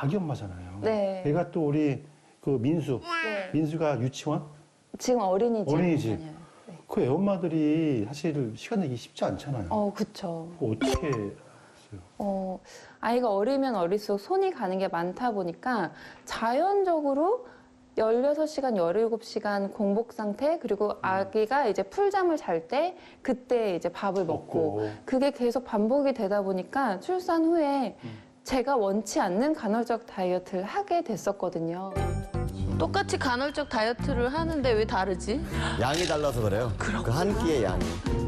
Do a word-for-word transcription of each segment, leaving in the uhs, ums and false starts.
아기 엄마잖아요. 네. 얘가 또 우리 그 민수, 네. 민수가 유치원? 지금 어린이집. 어린이집. 다녀요. 네. 그 애엄마들이 사실 시간 내기 쉽지 않잖아요. 어, 그쵸. 그거 어떻게 했어요? 어, 아이가 어리면 어릴수록 손이 가는 게 많다 보니까 자연적으로 열여섯 시간, 열일곱 시간 공복 상태, 그리고 아기가 이제 풀잠을 잘 때 그때 이제 밥을 먹고, 먹고. 그게 계속 반복이 되다 보니까 출산 후에 음. 제가 원치 않는 간헐적 다이어트를 하게 됐었거든요. 똑같이 간헐적 다이어트를 하는데 왜 다르지? 양이 달라서 그래요. 그 한 끼의 양이.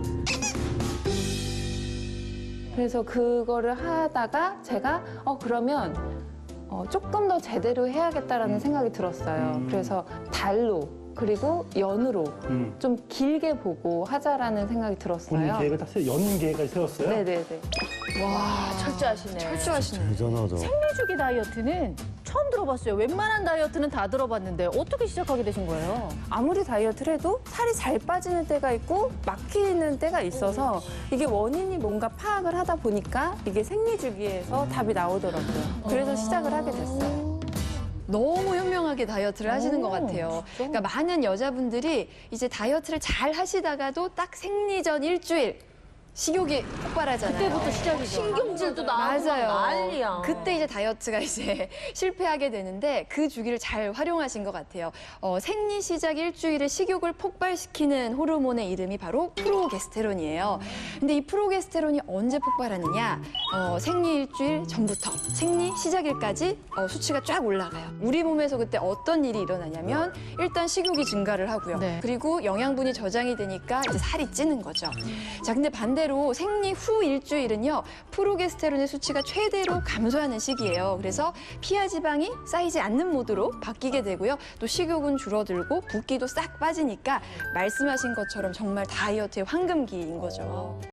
그래서 그거를 하다가 제가 어 그러면 어, 조금 더 제대로 해야겠다라는 생각이 들었어요. 음. 그래서 달로 그리고 연으로 음. 좀 길게 보고 하자라는 생각이 본인 들었어요. 계획을 딱 세, 연 계획까지 세웠어요? 네네네. 와, 철저하시네. 철저하시네. 대단하다. 생리주기 다이어트는 처음 들어봤어요. 웬만한 다이어트는 다 들어봤는데 어떻게 시작하게 되신 거예요? 아무리 다이어트를 해도 살이 잘 빠지는 때가 있고 막히는 때가 있어서 이게 원인이 뭔가 파악을 하다 보니까 이게 생리주기에서 답이 나오더라고요. 그래서 시작을 하게 됐어요. 너무 현명하게 다이어트를 하시는 것 같아요. 진짜? 그러니까 많은 여자분들이 이제 다이어트를 잘 하시다가도 딱 생리 전 일주일 식욕이 폭발하잖아요. 그때부터 시작이죠. 신경질도 나고 막 난리야. 그때 이제 다이어트가 이제 실패하게 되는데 그 주기를 잘 활용하신 것 같아요. 어, 생리 시작 일주일에 식욕을 폭발시키는 호르몬의 이름이 바로 프로게스테론이에요. 근데 이 프로게스테론이 언제 폭발하느냐? 어, 생리 일주일 전부터 생리 시작일까지 어, 수치가 쫙 올라가요. 우리 몸에서 그때 어떤 일이 일어나냐면 일단 식욕이 증가를 하고요. 네. 그리고 영양분이 저장이 되니까 이제 살이 찌는 거죠. 자, 근데 반대로 생리 후 일주일은요, 프로게스테론의 수치가 최대로 감소하는 시기예요. 그래서 피하 지방이 쌓이지 않는 모드로 바뀌게 되고요. 또 식욕은 줄어들고 붓기도 싹 빠지니까 말씀하신 것처럼 정말 다이어트의 황금기인 거죠.